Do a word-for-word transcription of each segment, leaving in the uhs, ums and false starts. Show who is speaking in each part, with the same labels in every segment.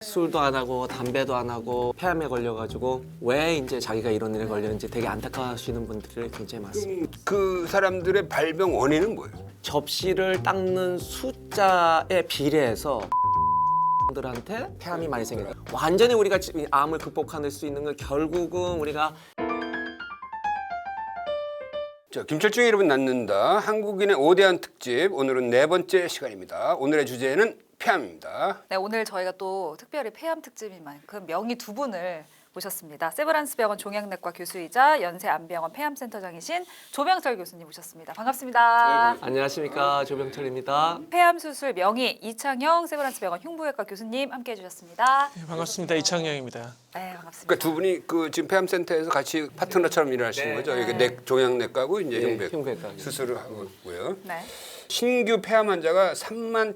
Speaker 1: 술도 안 하고 담배도 안 하고 폐암에 걸려가지고 왜 이제 자기가 이런 일에 걸렸는지 되게 안타까워하시는 분들이 굉장히 많습니다.
Speaker 2: 그 사람들의 발병 원인은 뭐예요?
Speaker 1: 접시를 닦는 숫자에 비례해서 들한테 폐암이 많이 생겨요. 완전히 우리가 암을 극복할 수 있는 건 결국은 우리가
Speaker 2: 자, 김철중의 이름은 낳는다. 한국인의 오대한 특집. 오늘은 네 번째 시간입니다. 오늘의 주제는 폐암입니다.
Speaker 3: 네, 오늘 저희가 또 특별히 폐암 특집인 만큼 명의 두 분을 모셨습니다. 세브란스 병원 종양내과 교수이자 연세암병원 폐암센터장이신 조병철 교수님 모셨습니다. 반갑습니다.
Speaker 2: 네,
Speaker 1: 안녕하십니까, 조병철입니다.
Speaker 3: 폐암 수술 명의 이창영 세브란스 병원 흉부외과 교수님 함께해 주셨습니다.
Speaker 4: 네, 반갑습니다. 이창영입니다.
Speaker 3: 네, 반갑습니다.
Speaker 2: 그러니까 두 분이 그 지금 폐암센터에서 같이 파트너처럼 일하시는
Speaker 1: 네.
Speaker 2: 거죠. 이게 내 종양내과고 이제
Speaker 1: 네,
Speaker 2: 흉부외과
Speaker 1: 흉부외과.
Speaker 2: 수술을 하고요.
Speaker 3: 네.
Speaker 2: 신규 폐암 환자가 삼만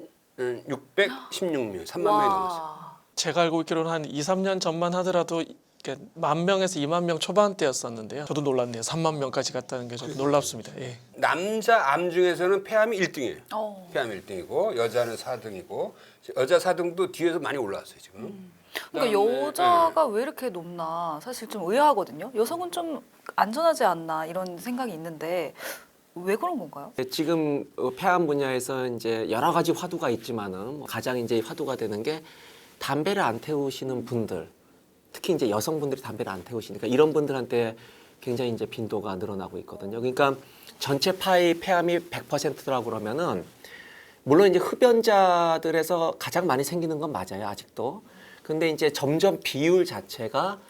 Speaker 2: 천육백십육 명, 삼만 명이 넘었어요.
Speaker 3: 와.
Speaker 4: 제가 알고 있기로는 한 이, 삼 년 전만 하더라도 이게 만 명에서 이만 명 초반대였었는데요. 저도 놀랐네요. 삼만 명까지 갔다는 게 좀 놀랍습니다. 예.
Speaker 2: 남자 암 중에서는 폐암이 일 등이에요.
Speaker 3: 어.
Speaker 2: 폐암 일 등이고 여자는 사 등이고 여자 사 등도 뒤에서 많이 올라왔어요 지금.
Speaker 3: 음. 그러니까
Speaker 2: 그다음에,
Speaker 3: 여자가 왜 이렇게 높나 사실 좀 의아하거든요. 여성은 좀 안전하지 않나 이런 생각이 있는데 왜 그런 건가요?
Speaker 1: 지금 폐암 분야에서 이제 여러 가지 화두가 있지만은 가장 이제 화두가 되는 게 담배를 안 태우시는 분들, 특히 이제 여성분들이 담배를 안 태우시니까 이런 분들한테 굉장히 이제 빈도가 늘어나고 있거든요. 그러니까 전체 파이 폐암이 백 퍼센트라고 그러면은 물론 이제 흡연자들에서 가장 많이 생기는 건 맞아요, 아직도. 근데 이제 점점 비율 자체가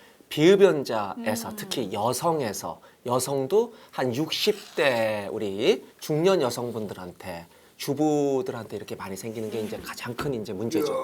Speaker 1: 비흡연자에서
Speaker 3: 음.
Speaker 1: 특히 여성에서 여성도 한 육십 대 우리 중년 여성분들한테 주부들한테 이렇게 많이 생기는 게 이제 가장 큰 이제 문제죠.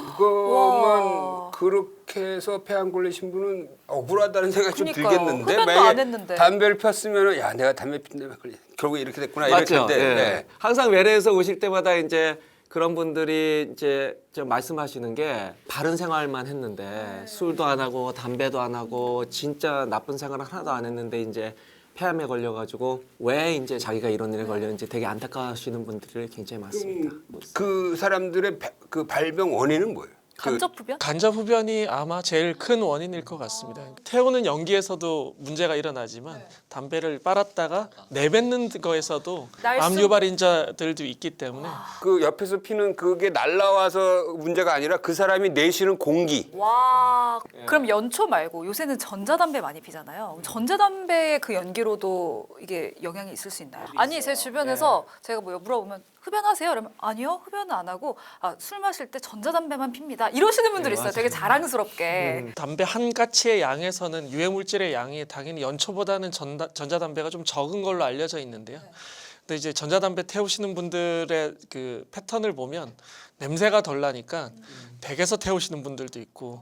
Speaker 2: 그것만
Speaker 3: 와.
Speaker 2: 그렇게 해서 폐암 걸리신 분은 억울하다는 생각이 좀
Speaker 3: 그러니까요.
Speaker 2: 들겠는데
Speaker 3: 흡연도
Speaker 2: 만약에
Speaker 3: 안 했는데.
Speaker 2: 담배를 폈으면 야 내가 담배 핀다며 걸리 결국 이렇게 됐구나 이럴
Speaker 1: 맞죠?
Speaker 2: 텐데
Speaker 1: 예.
Speaker 2: 네.
Speaker 1: 항상 외래에서 오실 때마다 이제 그런 분들이 이제 좀 말씀하시는 게 바른 생활만 했는데 술도 안 하고 담배도 안 하고 진짜 나쁜 생활 하나도 안 했는데 이제 폐암에 걸려가지고 왜 이제 자기가 이런 일에 걸렸는지 되게 안타까워하시는 분들이 굉장히 많습니다.
Speaker 2: 그 사람들의 배- 그 발병 원인은 뭐예요? 그
Speaker 3: 간접 흡연?
Speaker 4: 간접 흡연이 아마 제일 큰 원인일 것 같습니다. 태우는 연기에서도 문제가 일어나지만 담배를 빨았다가 내뱉는 거에서도
Speaker 3: 날숨-
Speaker 4: 암 유발인자들도 있기 때문에
Speaker 2: 그 옆에서 피는 그게 날라와서 문제가 아니라 그 사람이 내쉬는 공기.
Speaker 3: 와. 그럼 연초 말고 요새는 전자담배 많이 피잖아요. 전자담배의 그 연기로도 이게 영향이 있을 수 있나요? 아니 제 주변에서 제가 뭐 물어보면 흡연하세요? 그러면 아니요 흡연은 안 하고 아, 술 마실 때 전자담배만 핍니다. 이러시는 분들
Speaker 1: 네,
Speaker 3: 있어요.
Speaker 1: 맞아요.
Speaker 3: 되게 자랑스럽게.
Speaker 4: 음, 담배 한 가치의 양에서는 유해물질의 양이 당연히 연초보다는 전다, 전자담배가 좀 적은 걸로 알려져 있는데요. 근데 이제 전자담배 태우시는 분들의 그 패턴을 보면 냄새가 덜 나니까 댁에서 태우시는 분들도 있고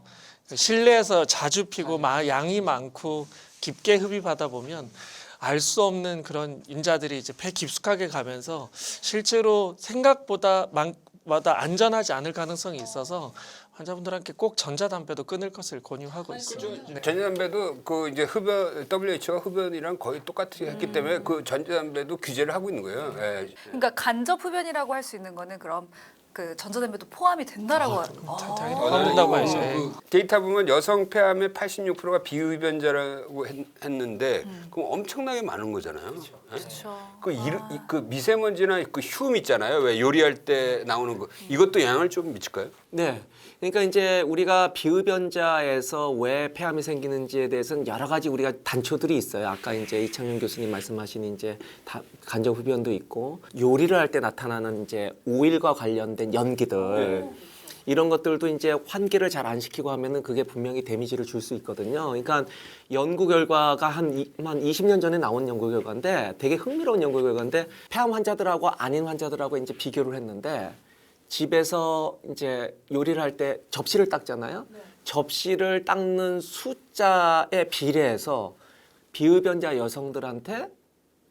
Speaker 4: 실내에서 자주 피고 마, 양이 많고 깊게 흡입하다 보면 알 수 없는 그런 인자들이 이제 폐 깊숙하게 가면서 실제로 생각보다 마다 안전하지 않을 가능성이 있어서 환자분들한테 꼭 전자담배도 끊을 것을 권유하고 있습니다. 네.
Speaker 2: 전자담배도 그 이제 흡연 더블유에이치오가 흡연이랑 거의 똑같이 했기 때문에 그 전자담배도 규제를 하고 있는 거예요. 예.
Speaker 3: 그러니까 간접 흡연이라고 할 수 있는 거는 그럼 그 전자담배도 포함이 된다라고. 아,
Speaker 4: 다- 당연히 포함된다고
Speaker 2: 그
Speaker 4: 해야죠. 예.
Speaker 2: 데이터 보면 여성 폐암의 팔십육 퍼센트가 비흡연자라고 했, 했는데 그럼 엄청나게 많은 거잖아요. 예?
Speaker 3: 그렇죠.
Speaker 2: 그, 일, 이- 그 미세먼지나 그 휴음 있잖아요. 왜 요리할 때 나오는 거 이것도 영향을 좀 미칠까요?
Speaker 1: 네. 그러니까 이제 우리가 비흡연자에서 왜 폐암이 생기는지에 대해서는 여러 가지 우리가 단초들이 있어요. 아까 이제 이창현 교수님 말씀하신 이제 다 간접 흡연도 있고 요리를 할 때 나타나는 이제 오일과 관련된 연기들 이런 것들도 이제 환기를 잘 안 시키고 하면은 그게 분명히 데미지를 줄 수 있거든요. 그러니까 연구 결과가 한, 이, 한 이십 년 전에 나온 연구 결과인데 되게 흥미로운 연구 결과인데 폐암 환자들하고 아닌 환자들하고 이제 비교를 했는데 집에서 이제 요리를 할 때 접시를 닦잖아요. 네. 접시를 닦는 숫자에 비례해서 비흡연자 여성들한테 흡,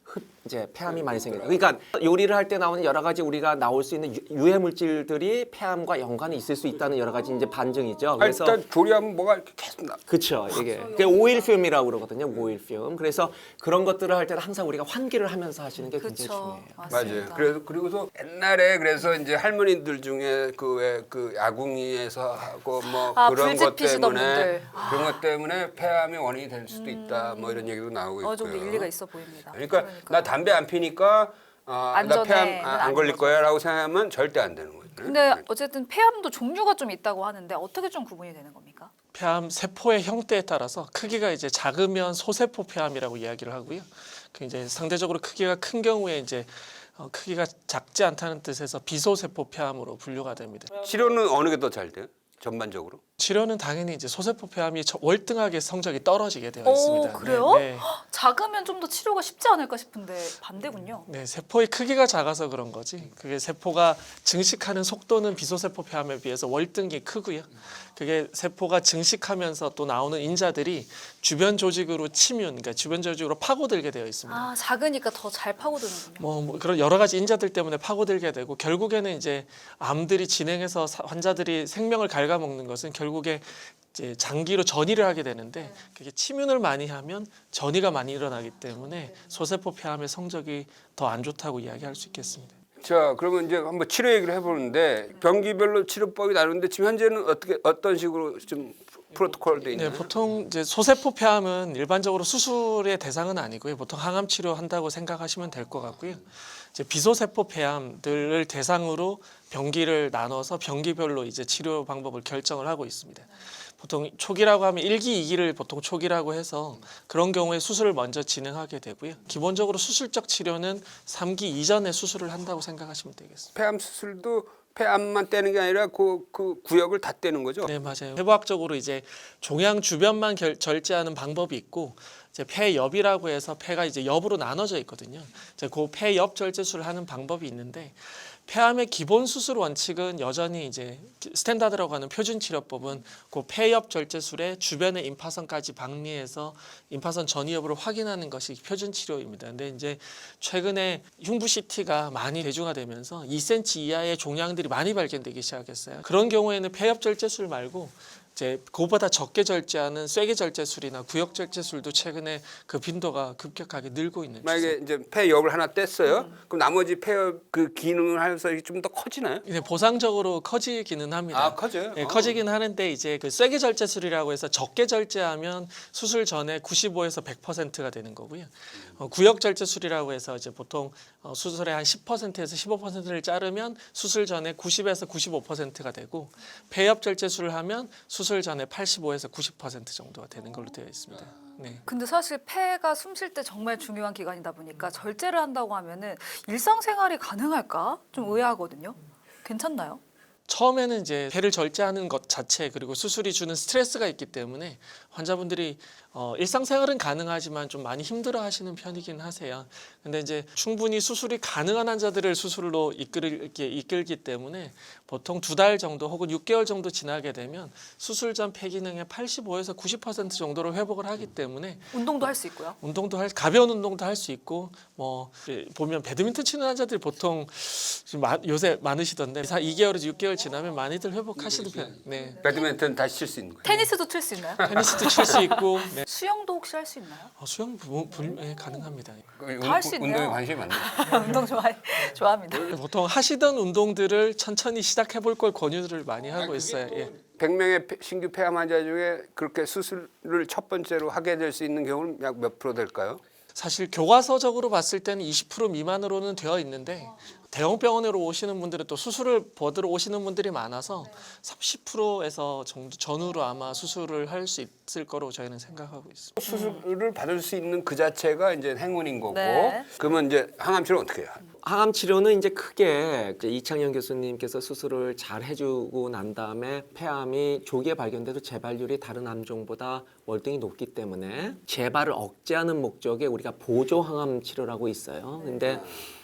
Speaker 1: 이제 폐암이 많이 생겨요. 그러니까 요리를 할 때 나오는 여러 가지 우리가 나올 수 있는 유- 유해 물질들이 폐암과 연관이 있을 수 있다는 여러 가지 이제 반증이죠.
Speaker 2: 아,
Speaker 1: 그래서
Speaker 2: 일단 조리하면 뭐가 이렇게 계속 나.
Speaker 1: 그렇죠. 이게 그게 오일듐이라고 그러거든요. 오일듐. 그래서 그런 것들을 할 때는 항상 우리가 환기를 하면서 하시는 게 굉장히
Speaker 3: 그렇죠.
Speaker 1: 중요해요.
Speaker 2: 맞아요. 그래서 그리고서 옛날에 그래서 이제 할머니들 중에 그 왜 그 야궁이에서 하고 뭐
Speaker 3: 아,
Speaker 2: 그런 것
Speaker 3: 불집 피시던
Speaker 2: 때문에
Speaker 3: 분들.
Speaker 2: 그런 것 때문에 폐암의 원인이 될 수도 있다. 뭐 이런 얘기도 나오고 있고요.
Speaker 3: 어느 정도 일리가 있어 보입니다.
Speaker 2: 그러니까, 나 담배 안 피니까 어, 나
Speaker 3: 안전해.
Speaker 2: 폐암 아,
Speaker 3: 는
Speaker 2: 안 걸릴
Speaker 3: 아닌
Speaker 2: 거야라고 생각하면 절대 안 되는 거죠.
Speaker 3: 근데 어쨌든 폐암도 종류가 좀 있다고 하는데 어떻게 좀 구분이 되는 겁니까?
Speaker 4: 폐암 세포의 형태에 따라서 크기가 이제 작으면 소세포 폐암이라고 이야기를 하고요. 그 이제 상대적으로 크기가 큰 경우에 이제 어, 크기가 작지 않다는 뜻에서 비소세포 폐암으로 분류가 됩니다.
Speaker 2: 치료는 어느 게 더 잘 돼요? 전반적으로?
Speaker 4: 치료는 당연히 이제 소세포 폐암이 저- 월등하게 성적이 떨어지게 되어
Speaker 3: 오,
Speaker 4: 있습니다.
Speaker 3: 그래요?
Speaker 4: 네, 네.
Speaker 3: 작으면 좀 더 치료가 쉽지 않을까 싶은데 반대군요.
Speaker 4: 네, 세포의 크기가 작아서 그런 거지. 그게 세포가 증식하는 속도는 비소세포 폐암에 비해서 월등히 크고요. 그게 세포가 증식하면서 또 나오는 인자들이 주변 조직으로 침윤, 그러니까 주변 조직으로 파고들게 되어 있습니다.
Speaker 3: 아, 작으니까 더 잘 파고드는군요.
Speaker 4: 뭐, 뭐 그런 여러 가지 인자들 때문에 파고들게 되고 결국에는 이제 암들이 진행해서 사- 환자들이 생명을 갉아먹는 것은 결국에 이제 장기로 전이를 하게 되는데 그게 침윤을 많이 하면 전이가 많이 일어나기 때문에 소세포 폐암의 성적이 더 안 좋다고 이야기할 수 있겠습니다.
Speaker 2: 자, 그러면 이제 한번 치료 얘기를 해보는데 병기별로 치료법이 다른데 지금 현재는 어떻게 어떤 식으로 좀 프로토콜 돼 있나요?
Speaker 4: 네, 보통 이제 소세포 폐암은 일반적으로 수술의 대상은 아니고요. 보통 항암 치료한다고 생각하시면 될 것 같고요. 이제 비소세포 폐암들을 대상으로 병기를 나눠서 병기별로 이제 치료 방법을 결정을 하고 있습니다. 보통 초기라고 하면 일 기, 이 기를 보통 초기라고 해서 그런 경우에 수술을 먼저 진행하게 되고요. 기본적으로 수술적 치료는 삼 기 이전에 수술을 한다고 생각하시면 되겠습니다.
Speaker 2: 폐암 수술도 폐암만 떼는 게 아니라 그, 그 구역을 다 떼는 거죠?
Speaker 4: 네, 맞아요. 해부학적으로 이제 종양 주변만 결, 절제하는 방법이 있고 이제 폐엽이라고 해서 폐가 이제 옆으로 나눠져 있거든요. 이제 그 폐엽 절제술을 하는 방법이 있는데 폐암의 기본 수술 원칙은 여전히 이제 스탠다드라고 하는 표준 치료법은 그 폐엽 절제술의 주변의 임파선까지 박리해서 임파선 전이 여부를 확인하는 것이 표준 치료입니다. 근데 이제 최근에 흉부 씨티가 많이 대중화되면서 이 센티미터 이하의 종양들이 많이 발견되기 시작했어요. 그런 경우에는 폐엽 절제술 말고 이제 그보다 적게 절제하는 쇠기 절제술이나 구역 절제술도 최근에 그 빈도가 급격하게 늘고 있는 추세.
Speaker 2: 만약에 이제 폐엽을 하나 뗐어요. 그럼 나머지 폐엽 그 기능을 해서 좀 더 커지나요?
Speaker 4: 네, 보상적으로 커지기는 합니다.
Speaker 2: 아, 커져요?
Speaker 4: 네,
Speaker 2: 어.
Speaker 4: 커지긴 하는데 이제 그 쇠기 절제술이라고 해서 적게 절제하면 수술 전에 구십오에서 백 퍼센트가 되는 거고요. 어, 구역 절제술이라고 해서 이제 보통 어, 수술의 한 십 퍼센트에서 십오 퍼센트를 자르면 수술 전에 구십에서 구십오 퍼센트가 되고 폐엽 절제술을 하면 수술 전에 팔십오에서 구십 퍼센트 정도가 되는 걸로 되어 있습니다. 네.
Speaker 3: 근데 사실 폐가 숨 쉴 때 정말 중요한 기관이다 보니까 절제를 한다고 하면은 일상생활이 가능할까? 좀 의아하거든요. 괜찮나요?
Speaker 4: 처음에는 이제 폐를 절제하는 것 자체 그리고 수술이 주는 스트레스가 있기 때문에 환자분들이 어, 일상생활은 가능하지만 좀 많이 힘들어하시는 편이긴 하세요. 근데 이제 충분히 수술이 가능한 환자들을 수술로 이끌게 이끌기 때문에 보통 두 달 정도 혹은 육 개월 정도 지나게 되면 수술 전 폐 기능의 팔십오에서 구십 퍼센트 정도로 회복을 하기 때문에
Speaker 3: 운동도 할 수 있고요.
Speaker 4: 운동도 할 가벼운 운동도 할 수 있고 뭐 예, 보면 배드민턴 치는 환자들이 보통 지금 마, 요새 많으시던데 이 개월에서 육 개월 지나면 많이들 회복하시는 편. 네.
Speaker 2: 배드민턴 다시 칠 수 있는 거예요.
Speaker 3: 테니스도 칠 수 있나요?
Speaker 4: 테니스도 칠 수 있고 네.
Speaker 3: 수영도 혹시 할 수 있나요?
Speaker 4: 어, 수영 부, 불, 예, 가능합니다.
Speaker 3: 다 할 수 있네요.
Speaker 2: 운동에 관심이 많네.
Speaker 3: 운동 좋아 좋아합니다.
Speaker 4: 보통 하시던 운동들을 천천히 시작해 볼 걸 권유를 많이 하고 있어요. 예.
Speaker 2: 백 명의 폐- 신규 폐암 환자 중에 그렇게 수술을 첫 번째로 하게 될 수 있는 경우는 약 몇 프로 될까요?
Speaker 4: 사실 교과서적으로 봤을 때는 이십 퍼센트 미만으로는 되어 있는데 대형 병원으로 오시는 분들은 또 수술을 받으러 오시는 분들이 많아서 삼십 퍼센트에서 정도 전후로 아마 수술을 할 수 있을 거로 저희는 생각하고 있습니다.
Speaker 2: 수술을 받을 수 있는 그 자체가 이제 행운인 거고.
Speaker 3: 네.
Speaker 2: 그러면 이제 항암 치료 어떻게 해요?
Speaker 1: 항암 치료는 이제 크게 이제 이창현 교수님께서 수술을 잘 해주고 난 다음에 폐암이 조기에 발견돼도 재발률이 다른 암종보다 월등히 높기 때문에 재발을 억제하는 목적에 우리가 보조 항암 치료라고 있어요. 근데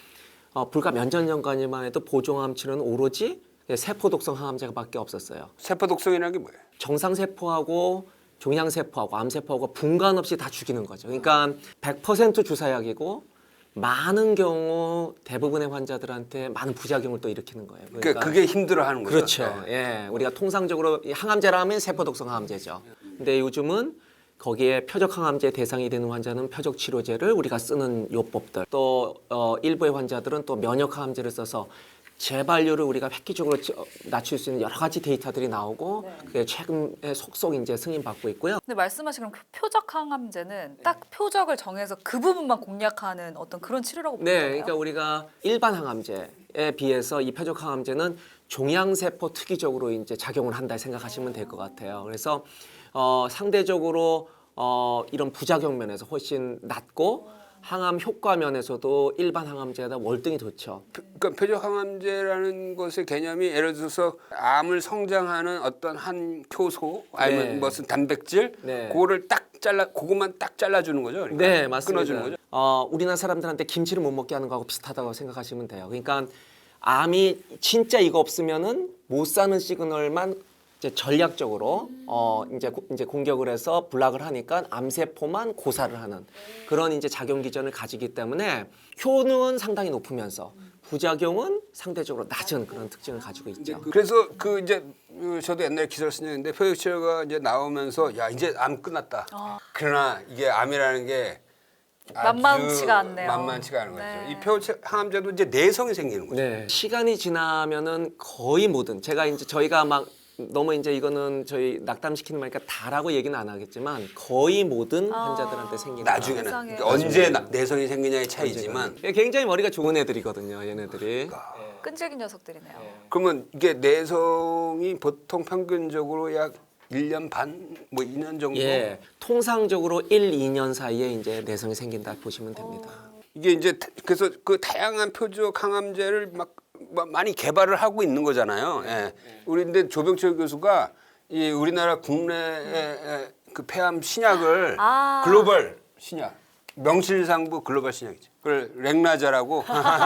Speaker 1: 어, 불과 몇 년 전까지만 해도 보조 항암 치료는 오로지 세포 독성 항암제밖에 없었어요.
Speaker 2: 세포 독성이라는 게 뭐예요?
Speaker 1: 정상 세포하고 종양 세포하고 암 세포하고 분간 없이 다 죽이는 거죠. 그러니까 백 퍼센트 주사약이고 많은 경우 대부분의 환자들한테 많은 부작용을 또 일으키는 거예요.
Speaker 2: 그러니까 그게 힘들어하는 거죠.
Speaker 1: 그렇죠.
Speaker 2: 네.
Speaker 1: 예, 우리가 통상적으로 이 항암제라면 세포독성 항암제죠. 근데 요즘은 거기에 표적 항암제 대상이 되는 환자는 표적 치료제를 우리가 쓰는 요법들, 또 어, 일부의 환자들은 또 면역 항암제를 써서 재발률을 우리가 획기적으로 찌- 어, 낮출 수 있는 여러 가지 데이터들이 나오고 그게 최근에 속속 이제 승인받고 있고요.
Speaker 3: 근데 말씀하신 그럼 표적 항암제는 딱 표적을 정해서 그 부분만 공략하는 어떤 그런 치료라고 보는
Speaker 1: 네,
Speaker 3: 거예요?
Speaker 1: 그러니까 우리가 일반 항암제에 비해서 이 표적 항암제는 종양세포 특이적으로 이제 작용을 한다 생각하시면 될 것 같아요. 그래서 어, 상대적으로 어, 이런 부작용 면에서 훨씬 낮고 항암 효과 면에서도 일반 항암제보다 월등히 좋죠.
Speaker 2: 그러니까 표적 항암제라는 것의 개념이 예를 들어서 암을 성장하는 어떤 한 효소 아니면
Speaker 1: 네.
Speaker 2: 무슨 단백질
Speaker 1: 네.
Speaker 2: 그거를 딱 잘라 그것만 딱 잘라주는 거죠. 그러니까
Speaker 1: 네, 맞습니다.
Speaker 2: 끊어주는 거죠.
Speaker 1: 어, 우리나라 사람들한테 김치를 못 먹게 하는 거하고 비슷하다고 생각하시면 돼요. 그러니까 암이 진짜 이거 없으면은 못 사는 시그널만 이제 전략적으로 어 이제 고- 이제 공격을 해서 블락을 하니까 암세포만 고사를 하는 그런 이제 작용 기전을 가지기 때문에 효능은 상당히 높으면서 부작용은 상대적으로 낮은 그런 특징을 가지고 있죠.
Speaker 2: 그래서 그 이제 그 저도 옛날에 기사를 쓴 적이 있는데 표적 치료가 이제 나오면서 야 이제 암 끝났다. 그러나 이게 암이라는 게 아주
Speaker 3: 만만치가 않네요.
Speaker 2: 만만치가 않은 거죠.
Speaker 3: 네.
Speaker 2: 이 표적 항암제도 이제 내성이 생기는 거죠.
Speaker 1: 네. 시간이 지나면은 거의 모든 제가 이제 저희가 막 너무 이제 이거는 저희 낙담시키는 말이니까 다라고 얘기는 안 하겠지만 거의 모든 환자들한테 생기는
Speaker 2: 나중에는
Speaker 3: 세상에.
Speaker 2: 그러니까 언제 나- 내성이 생기냐의 차이지만
Speaker 1: 굉장히 머리가 좋은 애들이거든요, 얘네들이.
Speaker 3: 끈질긴 녀석들이네요.
Speaker 2: 그러면 이게 내성이 보통 평균적으로 약 일 년 반, 뭐 이 년 정도.
Speaker 1: 예, 통상적으로 일, 이 년 사이에 이제 내성이 생긴다 보시면 됩니다.
Speaker 2: 이게 이제 타- 그래서 그 다양한 표적 항암제를 막, 막 많이 개발을 하고 있는 거잖아요. 예. 우리 근데 조병철 교수가 이 우리나라 국내의 그 폐암 신약을
Speaker 3: 아.
Speaker 2: 글로벌 신약 명실상부 글로벌 신약이죠. 그걸 렉나자라고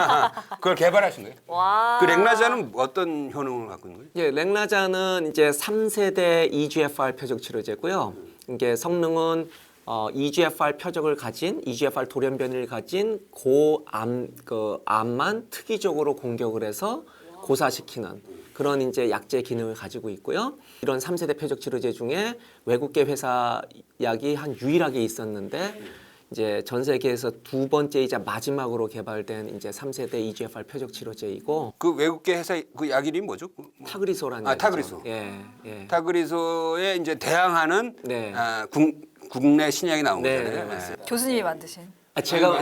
Speaker 2: 그걸 개발하신 거예요.
Speaker 3: 와.
Speaker 2: 그 렉나자는 어떤 효능을 갖고 있는 거예요?
Speaker 1: 예, 렉나자는 이제 삼 세대 이지에프알 표적 치료제고요. 이게 성능은 어, 이지에프알 표적을 가진 이지에프알 돌연변이를 가진 고암 그 암만 특이적으로 공격을 해서 고사시키는 그런 이제 약제 기능을 가지고 있고요. 이런 삼 세대 표적 치료제 중에 외국계 회사 약이 한 유일하게 있었는데 이제 전 세계에서 두 번째이자 마지막으로 개발된 이제 삼 세대 이지에프알 표적 치료제이고
Speaker 2: 그 외국계 회사 그 약 이름이 뭐죠? 그 뭐-
Speaker 1: 타그리소라는
Speaker 2: 아,
Speaker 1: 약이죠.
Speaker 2: 타그리소.
Speaker 1: 예, 예.
Speaker 2: 타그리소에 이제 대항하는
Speaker 1: 네.
Speaker 2: 아, 국, 국내 신약이 나온
Speaker 1: 네,
Speaker 2: 거잖아요.
Speaker 1: 네, 맞습니다.
Speaker 3: 교수님이 만드신.
Speaker 1: 아, 제가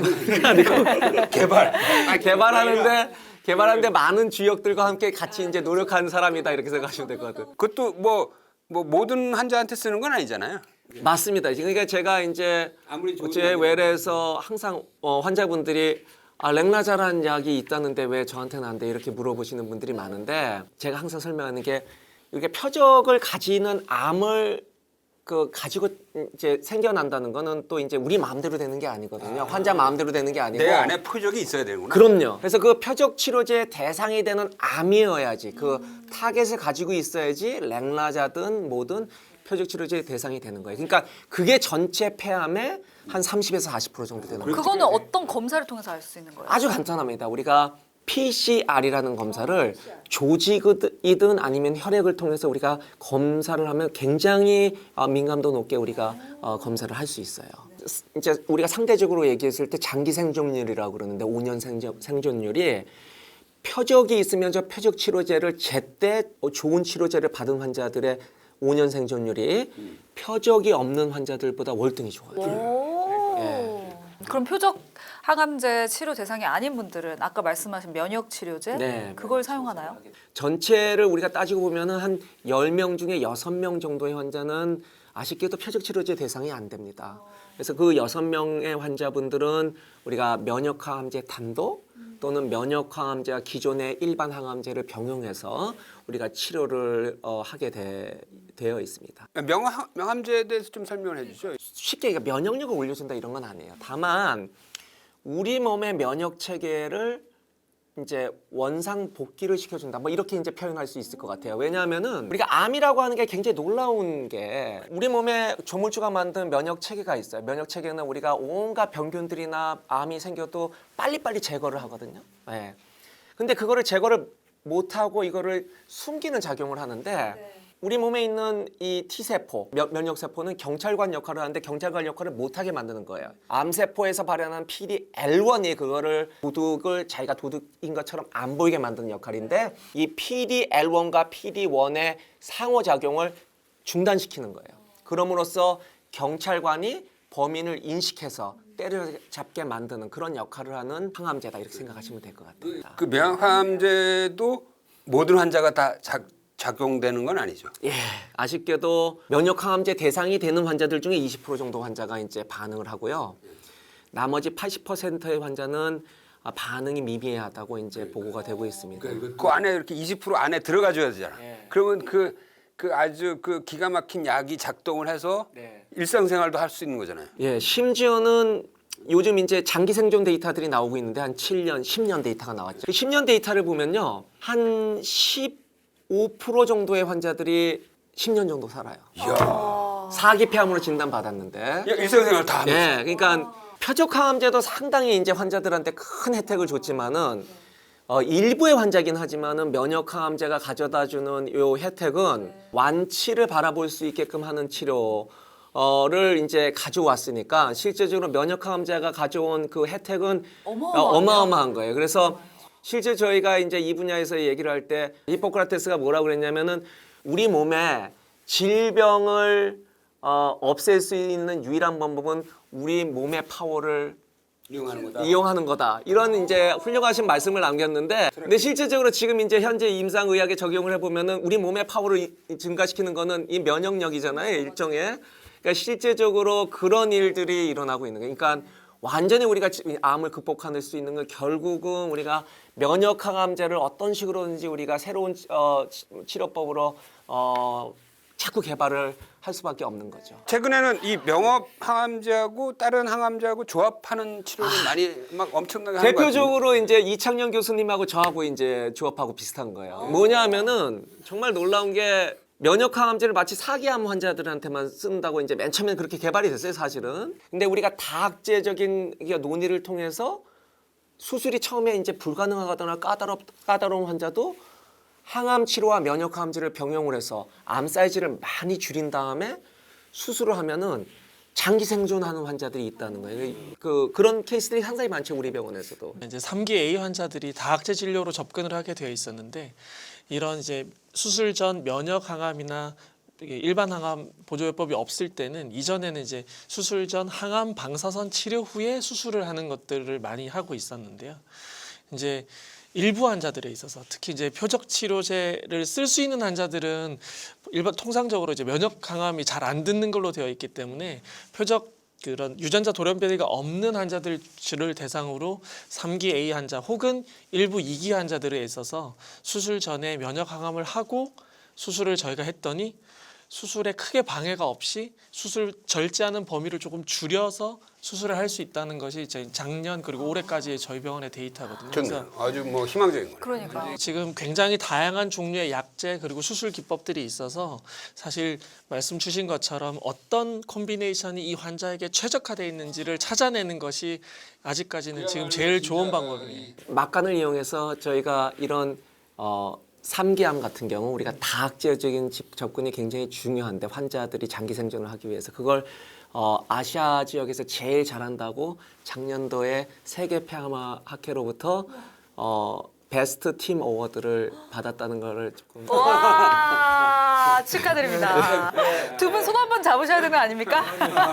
Speaker 2: 네. 개발.
Speaker 1: 아, 개발하는데 개발하는데 많은 주역들과 함께 같이 이제 노력하는 사람이다 이렇게 생각하시면 될 것 같아요.
Speaker 2: 그것도 뭐, 뭐 모든 환자한테 쓰는 건 아니잖아요.
Speaker 1: 맞습니다. 그러니까 제가 이제
Speaker 2: 아무리 좋은
Speaker 1: 제
Speaker 2: 약이라도.
Speaker 1: 외래에서 항상 어, 환자분들이 아, 렉나자라는 약이 있다는데 왜 저한테는 안 돼? 이렇게 물어보시는 분들이 많은데 제가 항상 설명하는 게 이렇게 표적을 가지는 암을 그 가지고 이제 생겨난다는 거는 또 이제 우리 마음대로 되는 게 아니거든요. 환자 마음대로 되는 게 아니고
Speaker 2: 내 안에 표적이 있어야 되는구나.
Speaker 1: 그럼요. 그래서 그 표적 치료제의 대상이 되는 암이어야지 그 타겟을 가지고 있어야지 렉나자든 뭐든 표적 치료제의 대상이 되는 거예요. 그러니까 그게 전체 폐암의 한 삼십에서 사십 퍼센트 정도 되는 거예요.
Speaker 3: 그거는 어떤 검사를 통해서 알 수 있는 거예요?
Speaker 1: 아주 간단합니다. 우리가 피씨알이라는 검사를 조직이든 아니면 혈액을 통해서 우리가 검사를 하면 굉장히 어, 민감도 높게 우리가 어, 검사를 할 수 있어요. 이제 우리가 상대적으로 얘기했을 때 장기 생존율이라고 그러는데 오 년 생존, 생존율이 표적이 있으면 저 표적 치료제를 제때 좋은 치료제를 받은 환자들의 오 년 생존율이 표적이 없는 환자들보다 월등히 좋아요.
Speaker 3: 오.
Speaker 1: 예.
Speaker 3: 그럼 표적 항암제 치료 대상이 아닌 분들은 아까 말씀하신 면역 치료제
Speaker 1: 네.
Speaker 3: 그걸 사용하나요?
Speaker 1: 전체를 우리가 따지고 보면은 한 열 명 중에 여섯 명 정도의 환자는 아쉽게도 표적 치료제 대상이 안 됩니다. 그래서 그 여섯 명의 환자분들은 우리가 면역 항암제 단독 또는 면역 항암제와 기존의 일반 항암제를 병용해서 우리가 치료를 어, 하게 돼, 되어 있습니다.
Speaker 2: 명함, 명함제에 대해서 좀 설명을 해주죠.
Speaker 1: 쉽게 얘기해 면역력을 올려준다 이런 건 아니에요. 다만 우리 몸의 면역 체계를 이제 원상 복귀를 시켜준다. 뭐 이렇게 이제 표현할 수 있을 것 같아요. 왜냐하면은 우리가 암이라고 하는 게 굉장히 놀라운 게 우리 몸에 조물주가 만든 면역 체계가 있어요. 면역 체계는 우리가 온갖 병균들이나 암이 생겨도 빨리빨리 제거를 하거든요. 네. 근데 그거를 제거를 못하고 이거를 숨기는 작용을 하는데 우리 몸에 있는 이 T세포, 면- 면역세포는 경찰관 역할을 하는데 경찰관 역할을 못하게 만드는 거예요. 암세포에서 발현한 피디엘원이 그거를 도둑을 자기가 도둑인 것처럼 안 보이게 만드는 역할인데 이 피디엘원과 피디원의 상호작용을 중단시키는 거예요. 그럼으로써 경찰관이 범인을 인식해서 때려잡게 만드는 그런 역할을 하는 항암제다 이렇게 생각하시면 될 것 같아요.
Speaker 2: 그 면역항암제도 모든 환자가 다 작, 작용되는 건 아니죠.
Speaker 1: 예, 아쉽게도 면역항암제 대상이 되는 환자들 중에 이십 퍼센트 정도 환자가 이제 반응을 하고요. 나머지 팔십 퍼센트의 환자는 아, 반응이 미미하다고 이제 보고가 되고 있습니다.
Speaker 2: 그 안에 이렇게 이십 퍼센트 안에 들어가줘야 되잖아.
Speaker 1: 예.
Speaker 2: 그러면 그, 그 아주 그 기가 막힌 약이 작동을 해서
Speaker 1: 네.
Speaker 2: 일상생활도 할 수 있는 거잖아요.
Speaker 1: 예, 심지어는 요즘 이제 장기 생존 데이터들이 나오고 있는데 한 칠 년, 십 년 데이터가 나왔죠. 그 십 년 데이터를 보면요, 한 십오 퍼센트 정도의 환자들이 십 년 정도 살아요.
Speaker 2: 이야.
Speaker 1: 사기 폐암으로 진단 받았는데.
Speaker 2: 야, 일상생활 다 하면서.
Speaker 1: 예, 그러니까 표적 항암제도 상당히 이제 환자들한테 큰 혜택을 줬지만은 어, 일부의 환자긴 하지만은 면역 항암제가 가져다주는 요 혜택은 완치를 바라볼 수 있게끔 하는 치료를 이제 가져왔으니까 실제적으로 면역 항암제가 가져온 그 혜택은
Speaker 3: 어마어마하네요.
Speaker 1: 어, 어마어마한 거예요. 그래서 실제 저희가 이제 이 분야에서 얘기를 할 때 히포크라테스가 뭐라고 그랬냐면은 우리 몸에 질병을 어, 없앨 수 있는 유일한 방법은 우리 몸의 파워를
Speaker 2: 이용하는 거다.
Speaker 1: 이용하는 거다. 이런 이제 훌륭하신 말씀을 남겼는데, 근데 실제적으로 지금 이제 현재 임상의학에 적용을 해보면은 우리 몸의 파워를 이- 증가시키는 거는 이 면역력이잖아요, 일종의. 그러니까 실제적으로 그런 일들이 일어나고 있는 거예요. 그러니까 완전히 우리가 지- 암을 극복할 수 있는 건 결국은 우리가 면역 항암제를 어떤 식으로든지 우리가 새로운 치- 어, 치- 치료법으로 어, 자꾸 개발을 할 수밖에 없는 거죠.
Speaker 2: 최근에는 이 명업 항암제하고 다른 항암제하고 조합하는 치료를 많이 막 엄청나게 하는 것 같아요.
Speaker 1: 대표적으로 이제 이창영 교수님하고 저하고 이제 조합하고 비슷한 거예요. 뭐냐면은 정말 놀라운 게 면역 항암제를 마치 사기암 환자들한테만 쓴다고 이제 맨 처음에 그렇게 개발이 됐어요, 사실은. 근데 우리가 다학제적인 이게 논의를 통해서 수술이 처음에 이제 불가능하거나 까다롭 까다로운 환자도 항암 치료와 면역 항암제를 병용을 해서 암 사이즈를 많이 줄인 다음에 수술을 하면은 장기 생존하는 환자들이 있다는 거예요. 그 그런 케이스들이 상당히 많죠, 우리 병원에서도.
Speaker 4: 이제 삼 기 A 환자들이 다학제 진료로 접근을 하게 되어 있었는데 이런 이제 수술 전 면역 항암이나 이게 일반 항암 보조요법이 없을 때는 이전에는 이제 수술 전 항암 방사선 치료 후에 수술을 하는 것들을 많이 하고 있었는데요. 이제 일부 환자들에 있어서 특히 이제 표적 치료제를 쓸 수 있는 환자들은 일반 통상적으로 이제 면역 항암이 잘 안 듣는 걸로 되어 있기 때문에 표적 그런 유전자 돌연변이가 없는 환자들을 대상으로 삼 기 A 환자 혹은 일부 이 기 환자들에 있어서 수술 전에 면역 항암을 하고 수술을 저희가 했더니 수술에 크게 방해가 없이 수술 절제하는 범위를 조금 줄여서 수술을 할 수 있다는 것이 저희 작년 그리고 올해까지의 저희 병원의 데이터거든요.
Speaker 2: 좋네요. 아주 뭐 희망적인 거네요.
Speaker 3: 그러니까
Speaker 4: 지금 굉장히 다양한 종류의 약제 그리고 수술 기법들이 있어서 사실 말씀 주신 것처럼 어떤 콤비네이션이 이 환자에게 최적화되어 있는지를 찾아내는 것이 아직까지는 지금 제일 좋은 방법이에요.
Speaker 1: 막간을 이용해서 저희가 이런 어, 삼기암 같은 경우 우리가 다학제적인 집- 접근이 굉장히 중요한데 환자들이 장기 생존을 하기 위해서 그걸 어, 아시아 지역에서 제일 잘한다고 작년도에 세계 폐암 학회로부터 어, 베스트 팀 어워드를 받았다는 거를 조금
Speaker 3: 와 축하드립니다. 두 분 손 한 번 잡으셔야 되는 거 아닙니까?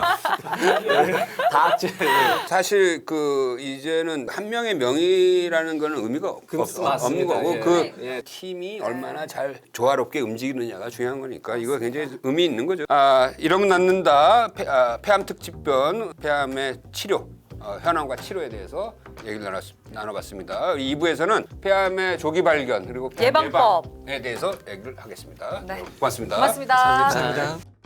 Speaker 1: 다학제
Speaker 2: 사실 그 이제는 한 명의 명의라는 거는 의미가 없,
Speaker 1: 그-
Speaker 2: 없,
Speaker 1: 맞습니다.
Speaker 2: 없는 거고
Speaker 1: 예.
Speaker 2: 그
Speaker 1: 예.
Speaker 2: 팀이 얼마나 잘 조화롭게 움직이느냐가 중요한 거니까 이거 굉장히 의미 있는 거죠. 아 이러면 낫는다 폐, 아, 폐암 특집편 폐암의 치료 어, 현황과 치료에 대해서 얘기를 나눴, 나눠봤습니다. 이 부에서는 폐암의 조기 발견 그리고 폐암
Speaker 3: 예방법.
Speaker 2: 예방에 대해서 얘기를 하겠습니다.
Speaker 3: 네.
Speaker 2: 고맙습니다.
Speaker 3: 고맙습니다.
Speaker 4: 감사합니다.